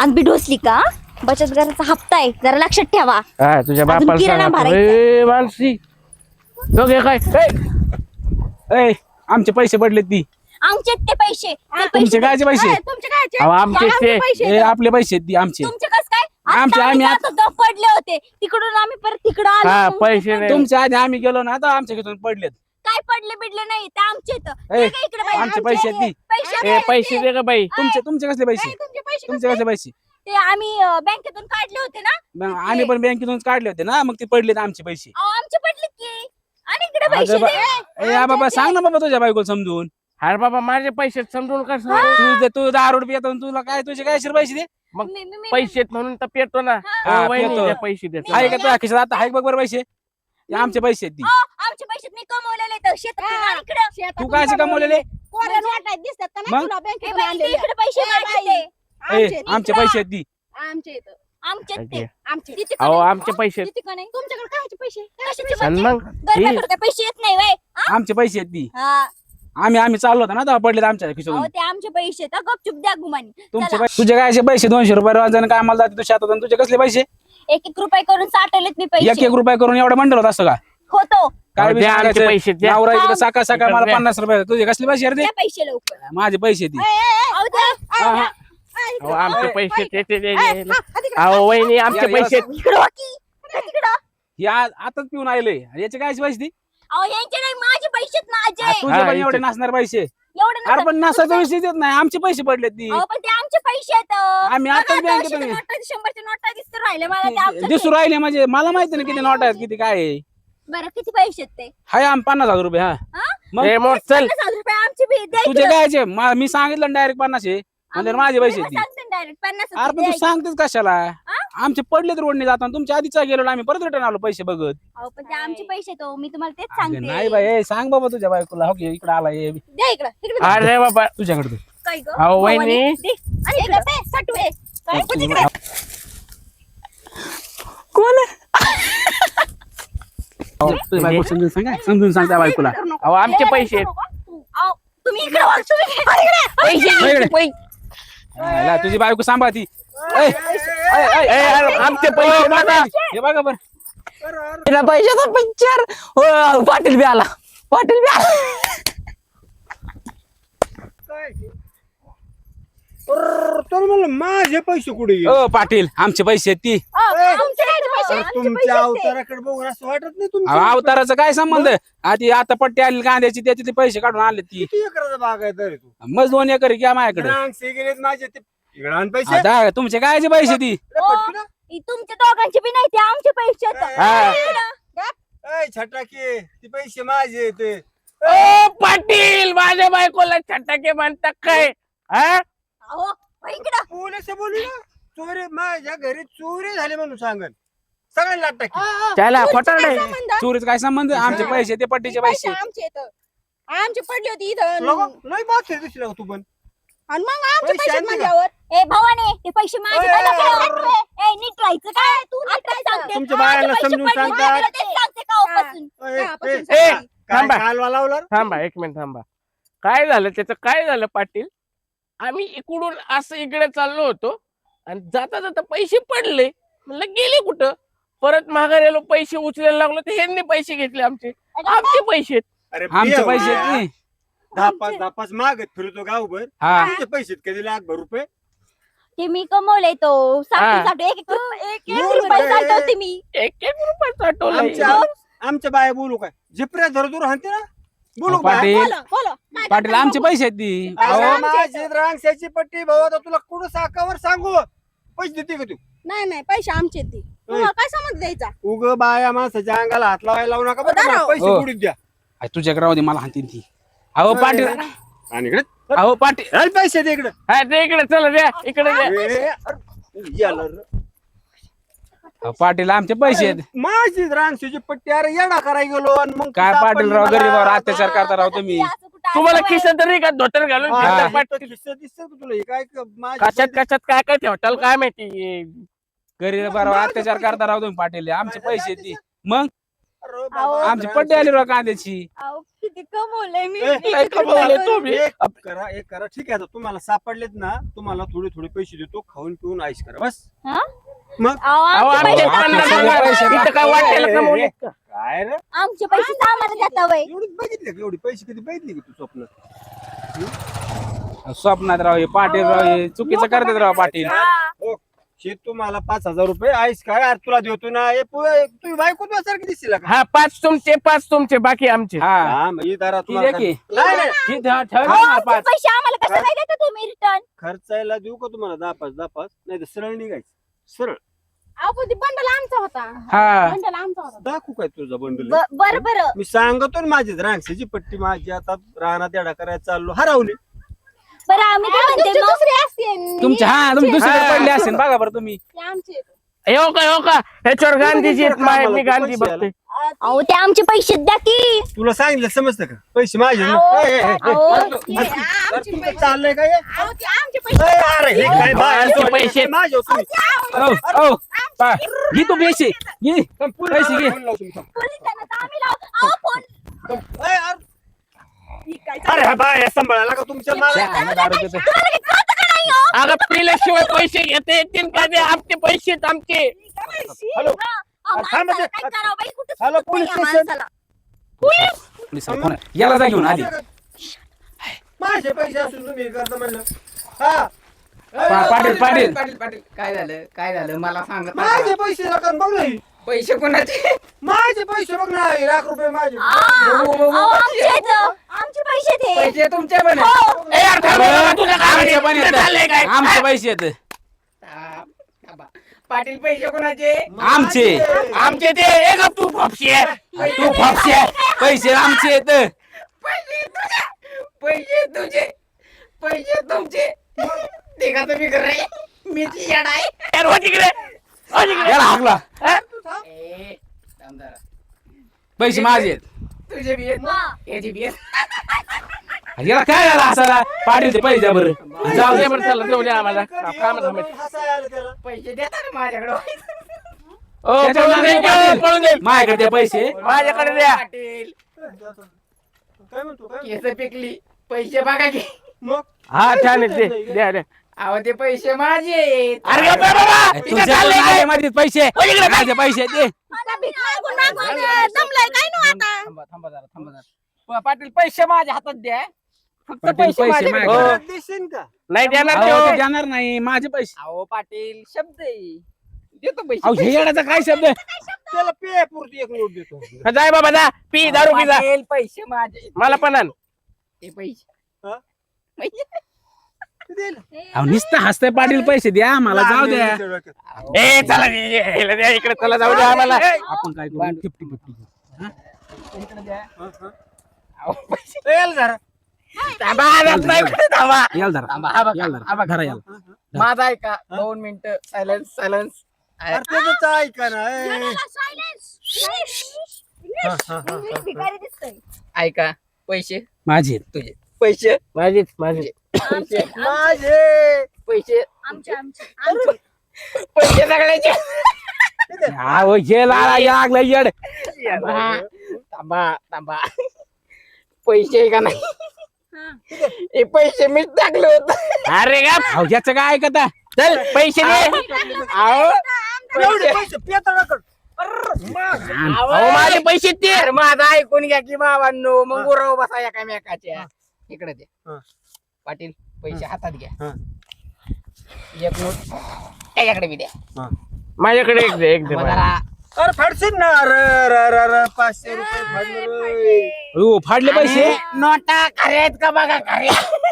आज बी ढोसली का? बचत गटाचा हप्ता आहे, जरा लक्षात ठेवा. हा तुझ्या अजून बापाला किराणा सांगा. भरायचा. ए, मानसी तो घे काय ए आमचे पैसे पडले ती आमचे ते पैसे तुमचे कायचे पैसे तुमचे कायचे? अहो, आमचे ते. ए आपले पैसे ती आमचे तुमचे कस काय? आमचे आता आम्ही जात होतो, पडले होते तिकडून आम्ही परत तिकडं हा आलो. पैसे नाही. तुमच्या आधी आम्ही गेलो ना आता आमच्या घेतून पडलेत काय पडले बिडले नाही, ते आमचे तर. ए, इकडे बाई, आमचे पैसे आहेत ती. पैसे ए पैसे दे का बाई. तुमचे कसले पैसे तुमचे पैसे तुमचे कसले पैसे ते आम्ही बँकेतून काढले होते ना. मग आम्ही पण बँकेतून काढले होते ना मग ते पडलेत आमचे पैसे अहो, आमचे पडले की. आणि इकडे पैसे अगं दे. ए बाबा सांग ना बाबा तुझ्या बायकोला समजून अरे बाबा माझे पैसे समजून का तू 10 रुपये येतो तुला काय तुझे काय पैसे दे मग मी- पैसे आहेत म्हणून तर पेटतो ना. हा, वहिनी पेटतो. द्या पैसे देतो. आहे का तुझ्या खिशात आता आहे बघ बरं पैसे हे आमचे पैसे आहेत ती अहो, आमचे पैसे मी कमवलेले तर शेतात आणि इकडे तू काय असे कमवलेले दिसतात का मग? इकडे पैसे माझे ते. ए आमचे पैसे आहेत ती आमचे ते. ओके. आमचे अहो आमचे पैसे आहेत. तुमच्याकडे कायचे पैसे? कशाचे आणि पैसे? मग गरब्याकडे काय पैसे येत नाही व्हय? आमचे पैसे आहेत ती हा. आम्ही चाललो होतो ना तेव्हा पडलेत आमच्या खिशातून अहो, ते आमचे पैसे तर गपचूप द्या गुमानी. तुमचे चला. तुझे काय असे पैसे 200 रुपये रोजानं कामाला जाते तू शेतात आणि तुझे कसले पैसे एक एक रुपये करून साठवलेत मी एक पैसे. एक रुपये करून एवढं मंडळ होत असं का होतो. काय अहो, द्या आमचे पैसे द्या. नवरा इकडे सकाळ सकाळ इकडे मला द्या. 50 रुपये तुझे कसले पैसे रे द्या पैसे लवकर. माझे पैसे ती अहो, द्या. हा, हा. अहो आमचे पैसे ते. अहो वहिनी आमचे या- पैसे इकडं हो की. तिकडं. हे आताच पिऊन आले याचे काय पैसे ती अहो, यांचे नाही, माझे पैसेत माझे. तुझे हा, पण इथे. एवढे नसणार पैसे एवढे अरे नसतात. पण नसाचा विषय देत नाही आमचे पैसे पडले ती अहो, पण ते आमचे पैसे आहेत. आम्ही बघा, आताच आता बँकेतून 100च्या नोटा दिसत राहिले मला ते आमचेच दिसू आहे. राहिले म्हणजे मला माहिती नाही किती नोट आहेत किती काय आहे. बरं किती पैसे आहेत ते? हाय 50,000 रुपये हा हा? मग ए, मोठ चल 50,000 रुपये आमचे बी द्या तुझे इकडं. कायचे मी सांगितलं डायरेक्ट 50 आहे म्हणजे माझे पैसे मी ती सांगते direct 50,000 अरे पण द्या तू इकडं. सांगतेस कशाला आमचे पडलेत रोडने जाताना तुमच्या आधीच गेलो आम्ही परत रिटर्न आलो पैसे बघत अहो, पण ते आमचे पैसे तो मी तुम्हाला तेच अगं सांगते. नाही बाई ए, सांग बाबा तुझ्या बायकोला हो की इकडे आला ये द्या इकडं तिकडं. अरे बाबा तुझ्याकडे दे. काय गं? अहो, वहिनी. दे. आणि इकडं दे, साठवे. काय पण तिकडे. तुझ्या बायको समजून सांग त्या बायकोला अहो आमचे पैसे आहेत. अहो, तुम्ही इकडे वळ, तुम्ही इकडे. पैसे ला, तुझी बायको सांभाळती ए, अरे, आमचे पैसे बघा. हे बघा बरं पैशाचा पिक्चर पाटील बी आला पाटील बी आला तर मला माझे पैसे कुठे गेले? ओ पाटील आमचे पैसे आहेत ती आमचे काय पैसे? अरे, तुमच्या अवताराकडे बघून असं वाटत नाही अहो, तुमच्या अवताराचा काय संबंध आधी आता पट्टी आली कांद्याची त्याचे ते पैसे काढून आणले ती किती एकराचा बाग आहे तरी तू मग 2 एकर घ्या माझ्याकडे रांगसे गेलेत माझे ते इकडे आण पैसे आता तुमचे कायचे पैसे ती अरे, पटकन आ. तुमच्या दोघांचे बी नाही ते आमचे पैसे आहेत. हा. इकडं. ऐ, छटाके ते पैसे माझे ते ओ पाटील माझ्या बायकोला छटाके म्हणतात काय हा अहो, इकडं. पोलीस बोलू ना चोरी माझ्या घरी चोरी झाली म्हणून सांगन सगळ्यांना लाट टाकी त्याला खोटा नाही चोरीच काय संबंध आमचे पैसे ते पट्टीचे पैसे आमचे पडले होते इथं लय बात दिसला का तू पण आणि मग आमचे पैसे पैसे आणले का? म्हणल्यावर ए भवाने ते पैसे माझे ओय, काय ओय, दाखवलं? ए नीट राहायचं काय तू नीट राहायचं. तुमच्या माझे बायाला पैसे समजून पडले, सांगतात. माझ्याकडे तेच सांगते कालपासून. ए, कापासून ए, सांगा. काय थांबा. कालवा लावला रे? थांबा एक मिनिट थांबा काय झालं त्याचं काय झालं पाटील आम्ही इकडून असं इकडे चाललो होतो आणि जाता जाता पैसे पडले म्हणलं गेले कुठं परत माघार आलो पैसे उचलायला लागलो तर ह्यांनी पैसे घेतले आमचे पैसे आहेत. अरे आमचे बिया पैसे होत्या. आहेत ती. दहा पाच मागत फिरतो गावभर हा तुमचे पैसे कधी लाखभर रुपये ते मी कमवले तो हा. साठवून एक एक बोल रुपये बाई. साठवते मी. एक रुपये साठवलं आमच्या आमच्या बाया बोलू काय जिपऱ्या धर दूर हाणते ना बोलू अहो, काय पाटील बोला बोला पाटील आमचे पैसे आहेत ती अहो माझी रांगशाची पट्टी भाऊ आता तुला कुठं साकावर सांगू पैसे देते का तू नाही नाही पैसे आमचे ते तुम्हाला काय समज द्यायचा उग बाया माणसाच्या अंगाला हात लावायला लावू नका बरं का? दाराव. पैसे हो. बुडीत द्या आई, तुझ्याकडे राहू दे मला हाणतील ती अहो पाटील आणि इकडे अहो पाटील चल पैसे दे इकडे हा ते इकडे चला द्या इकडे द्या ए, अरे, याला रे. अहो, पाटील आमचे पैसे आहेत माझी रांगशाची पट्टी अरे येडा करायला गेलो आणि मग काय सापडली पाटील राव मला. गरीबावर अत्याचार करता राव तुम्ही असं कुठं तुम्हाला असं खिशात तरी का धोतर घालून हा, फिरता हे पाटील? तर खिस्सा दिसतं का तुला हे काय माझी कशात पट्टी- कशात काय काय ठेवताल काय माहिती गरीबावर अत्याचार करता राव तुम्ही पाटील आमचे पैसे आहेत ती मग अरे अहो, बाबा, आमची पट्टी आली राव कांद्याची अहो, किती किती कमवलंय मी ए, काय कमावलंय तुम्ही? एक करा ठीक आहे आता तुम्हाला सापडलेत ना तुम्हाला थोडे पैसे देतो खाऊन पिऊन आईश करा बस हा? मग अहो, अहो, आमचे आमचे पैसे पन्नास आम्हाला हजार पैसे इथं काय वाटायला कमवलेत का? काय रे आमचे पैसे आम्हाला देता वय एवढी बघितले का एवढी पैसे कधी बघितले का तू स्वप्न स्वप्नात राव हे पाटील राव हे चुकीचं करतात राव पाटील. हो शेत तुम्हाला 5,000 रुपये आईश काय यार तुला देतो ना हे तुम्ही बायको सारखी दिसतील का हा 5 तुमचे बाकी आमचे. हा हा मग ही दारा ती द्या की. नाही नाही ही ठेव अहो, ना आमचे 5. पैसे आम्हाला कसं काय देता तुम्ही रिटर्न खर्चायला देऊ का तुम्हाला 10-5 नाही तर सरळ निघायचं सरळ अहो ते बंडल आमचा होता हा बंडल आमचा होता दाखवू काय तुझा बंडल बरं बरं मी सांगतो ना माझी रांगशीची पट्टी माझी आता रानात येडा करायला चाललो हरवली बरं आम्ही काय म्हणते दुसरी असते तुमच्या हा तुम्ही दुसरीकडे हा. पडले असेल बघा बरं तुम्ही. आमचे हो का ह्याच्यावर गांधीजी आहेत, कामाला मी तू गांधी पैसे बघते. अहो ते आमचे पैसे द्या की तुला सांगितलं समजतं का पैसे माझे ना. अहो, ए, ए, ए, अहो, अरे, ते अरे, आमचे तुमचं पैसे. चाललंय काय अहो, ते आमचे पैसे ए, अरे हे काय आमचे पैसे. माझे हो तुम्ही. ओ ओ पा, घे तू पैसे घे पैसे घे. फोन लाव तुम्ही. पोलिसांना तर आम्ही लावू. अहो, फोन. ए, अरे, ही काय अरे हा बाय सांभाळायला का तुमच्या मला हा, दारू पितो. तुम्हाला काही कळतं का नाही, हो? अगं पिल्याशिवाय पैसे घेते येतील का ते? आमचे पैसे आहेत आमचे. हॅलो. हा, अहो, अरे, थांबा माणसाला ते. काय करावं बाई, कुठं हॅलो, सुचत नाही पोलीस या स्टेशन. माणसाला. पोलिसाला फोन आहे. याला जा घेऊन आधी. माझे पैसे असून तुम्ही हे करता म्हणलं हा पाटील काय झालं मला सांगा माझे पैसे रक्कम बघ नाही पैसे कोणाचे माझे पैसे बघ ना ₹1,00,000 माझे अहो, आमचे आहेत. आमचे पैसे ते पैसे तुमचे पण हो. ए, यार, थांब बाबा, तुझं काय आमचे पण इथं चाललंय काय? आमचे पैसे येत पाटील पैसे कोणाचे आमचे आमचे ते एक तू फापशी आहे. तू फापशे पैसे आमचे येत पैसे तुझे पैसे तुमचे ते का तुम्ही करे मी ती येडा आहे यार, हो तिकडे. हो तिकडे. याला हाकला हा? ए, थांब जरा. पैसे माझे आहेत. तुझे बी आहेत हा. याचे बी आहेत याला काय झालं असा पाटील ते पैसे द्या बरं जाऊ दे बरं, चला जाऊ दे आम्हाला काम थांबायचं. हसायला आलं त्याला पैसे देता ना माझ्याकडे ओ, पळून जाईल, पळून जाईल. माझ्याकडे ते पैसे माझ्याकडे द्या. पाटील काय म्हणतो काय केस पिकली पैसे बघा की मग हा छान आहे ते. द्या द्या. अहो ते पैसे माझे आहेत. अरे गप्प आहे बाबा. इथं तुझ्या चाललंय काय? माझे पैसे माझे पैसे दे मला भीक मागून मागून दमलंय काय नो आता थांबा जरा पाटील पैसे माझ्या हातात द्या फक्त पाटील, पैसे पैसे माझ्याकडे माझ्याकडे. द्या. हो. देशील का नाही देणार अहो, ते, ते हो. देणार नाही माझे पैसे अहो पाटील शब्द आहे देतो अहो हे पैसे येण्याचा काय शब्द त्याला पे पुरती एक नोट देतो हा, जाय बाबा जा पी दारू पी जा. पाटील, पैसे माझे मला पण आण. ते पैसे हा? पैसे. देईल. अहो नुसतं हसतंय पाटील पैसे द्या मला जाऊ द्या ए चला ह्याला द्या इकडे, चला जाऊ द्या आम्हाला. आपण काय करू 50-50 अहो, पैसे देईल जरा. थांबा, जात नाही कुठे थांबा. याल धरा थांबा, हा बघा, याल हा धरा बघा. धरा याला माझा आहे का 2 मिनिटं सायलन्स अरे त्याचं ऐका ना ए. इंग्लिश भिकारी दिसतोय ऐका पैसे माझे तुझे पैसे माझीच माझी. पैसे माझे पैसे आमचे आमचे पैसे सगळ्याचे अहो हे लागला येड थांबा पैसे आहे का नाही हे पैसे मीच टाकले होते अरे का अहो याचं काय ऐकता चल पैसे दे. अहो एवढे पैसे पेताळाकडे अहो माझे पैसे ते. अरे माझा ऐकून घ्या की बाबांनो मग उराव बसा एकामेकाच्या इकडे दे हा. पाटील पैसे हातात घ्या हा. एक नोट त्याच्याकडे बी द्या माझ्याकडे एक दे, एक दे मग मला. जरा अरे फाडशील ना अरे 500 रुपये फाडले हो फाडले पैसे आणि नोटा खरे आहेत का बघा खरे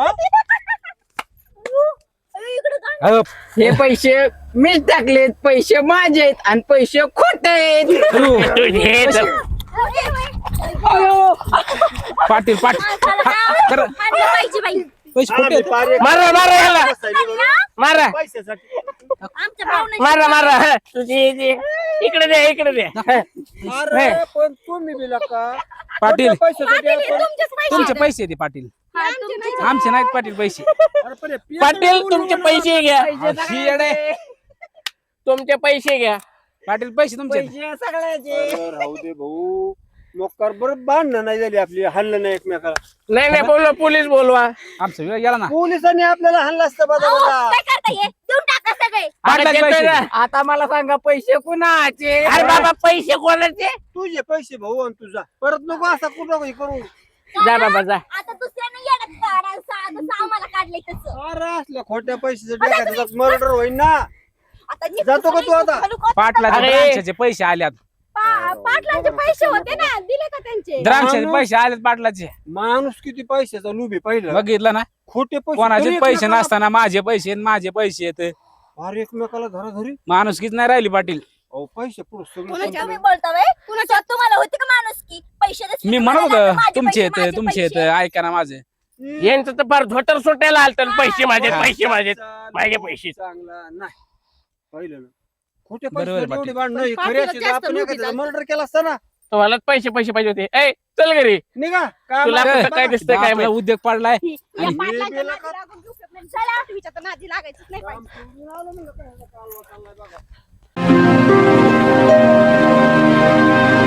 अहो, हे पैसे मीच टाकलेत पैसे माझे आहेत आणि पैसे खोटे आहेत अहो, तुझे तर. पाटील करा. पाहिजे बाई पैसे खोटे आहेत. मारा मारा ह्याला मारा पैशासाठी आमच्या भावना मारा मारा. हा, तुझी इकडे दे इकडे दे. अरे पण तुम्ही दिला का पाटील पैशासाठी आपण तुमचे पैसे दे पाटील आमचे नाहीत पाटील पैसे अरे पण हे पेताळ पाटील कोणी तुमचे म्हणलं? पैसे घ्या. ही येड आहे. तुमचे पैसे घ्या. पाटील पैसे तुमचे पैसे सगळ्याचे अरे राहू दे भाऊ मोकार बरं बांधणं नाही झाली आपली, हल्लं नाही एकमेकाला. नाही बोलवा, पोलीस बोलवा. आमचा वेळ गेला ना. पोलिसांनी आपल्याला हल्ला असतं बघा अहो, बघा. काय करता ये देऊन टाका सगळे. पाटलाचे अरे पैसे. देतोय ना. आता मला सांगा पैसे कुणाचे? अरे बाबा पैसे कोणाचे? तुझे पैसे भाऊ आणि तुझा परत नको असा कुठं हे करू. जा बाबा जा. आता दुसऱ्याने येडत काढायला जसं आम्हाला काढलंय तसं. अरे असल्या खोट्या पैशाचं मर्डर होईल ना. आता नीट जातो का तू आता? पाटलाचे अरे. द्राक्षाचे पैसे आल्यात. पाटलांचे पैसे होते ना, दिले का त्यांचे? द्राक्षाचे पैसे आलेत पाटलाचे. माणूस किती पैशाचा लुबी पहिलं. बघितलं ना, खोटे पैसे कोणाचे तरी पैसे एकमेकाला- नसताना माझे पैसे आणि माझे पैसे येत. अरे एकमेकाला धरा धरी. माणूस किती नाही राहिली पाटील. अहो पैसे पुढे कुणाच्या सगळं तुम्ही बोलता व्हय? कुणाच्या तुम्हाला होते का माणूस की पैसे देते मी तुम्हाला म्हणत लागले, होतो माझे तुमचे पैसे, येत माझे तुमचे येत पैसे. ऐका ना माझे. यांचं तर फार धोतर सुटायला आलत पैसे माझे, हा. पैसे माझे, माझे पैसे. चांगला नाही पहिलं ना. खोटे बरोबर पैसे पाटील. एवढे भांडणं हे पाटील खरे असते तर जास्त आपण लुबी एखाद्याचा जास्त. मर्डर केला असता ना. तुम्हाला पैसे पाहिजे होते. ए चल घरी. निघा काय तुला माहिती कुठं काय बघा. दिसतंय काय आपला माहिती. उद्योग पडलाय. या आणि- पाटलांच्या बेला नादी का- लागून घेऊ शकत नाही. चला, आठवीच्या तर नादी लागायचंच नाही पाहिजे. काम करून आलो म्हणलं काय चाललंय बघा.